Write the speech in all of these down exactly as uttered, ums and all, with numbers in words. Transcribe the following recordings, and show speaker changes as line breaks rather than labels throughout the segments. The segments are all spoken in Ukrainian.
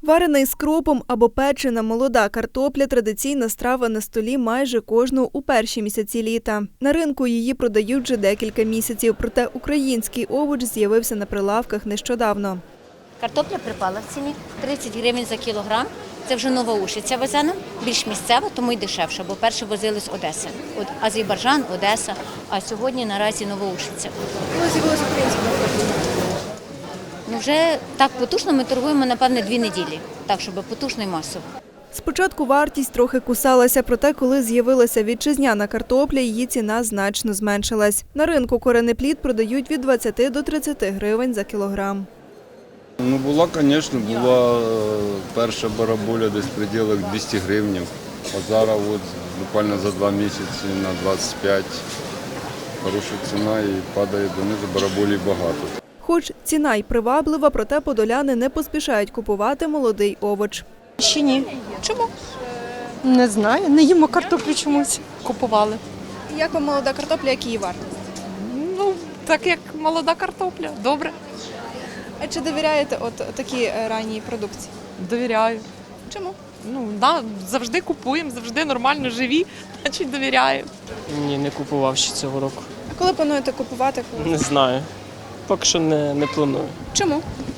Варена із кропом або печена молода картопля – традиційна страва на столі майже кожного у перші місяці літа. На ринку її продають вже декілька місяців, проте український овоч з'явився на прилавках нещодавно.
Картопля припала в ціні тридцять гривень за кілограм. Це вже Новоушиця везена, більш місцева, тому й дешевше, бо перше возили з Одеси. От Азербайджан, Одеса, а сьогодні наразі Новоушиця.
Коли з'явилася українська картопля?
Ну, вже так потужно ми торгуємо, напевне, дві неділі, так, щоб потужно і масово.
Спочатку вартість трохи кусалася, проте коли з'явилася вітчизняна картопля, її ціна значно зменшилась. На ринку коренеплід продають від двадцяти до тридцяти гривень за кілограм.
Ну, була, звісно, була перша бараболя десь в пределах двісті гривень. А зараз от, буквально за два місяці на двадцять п'ять хороша ціна і падає донизу, бараболі багато.
Хоч ціна й приваблива, проте подоляни не поспішають купувати молодий овоч.
Ще ні. Чому? Не знаю, не їмо картоплю чомусь. Купували.
Як вам молода картопля, як її вартість?
Ну, так як молода картопля. Добре.
А чи довіряєте от такій ранній продукції?
Довіряю.
Чому?
Ну, да, завжди купуємо, завжди нормально живі, значить довіряю.
Ні, не купував ще цього року.
А коли плануєте купувати?
Не знаю. Поки що не, не планую.
Чому?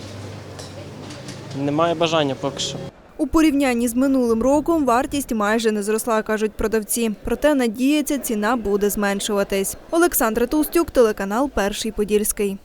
Немає бажання поки що.
У порівнянні з минулим роком вартість майже не зросла, кажуть продавці. Проте надіється, ціна буде зменшуватись. Олександра Толстюк, телеканал «Перший Подільський».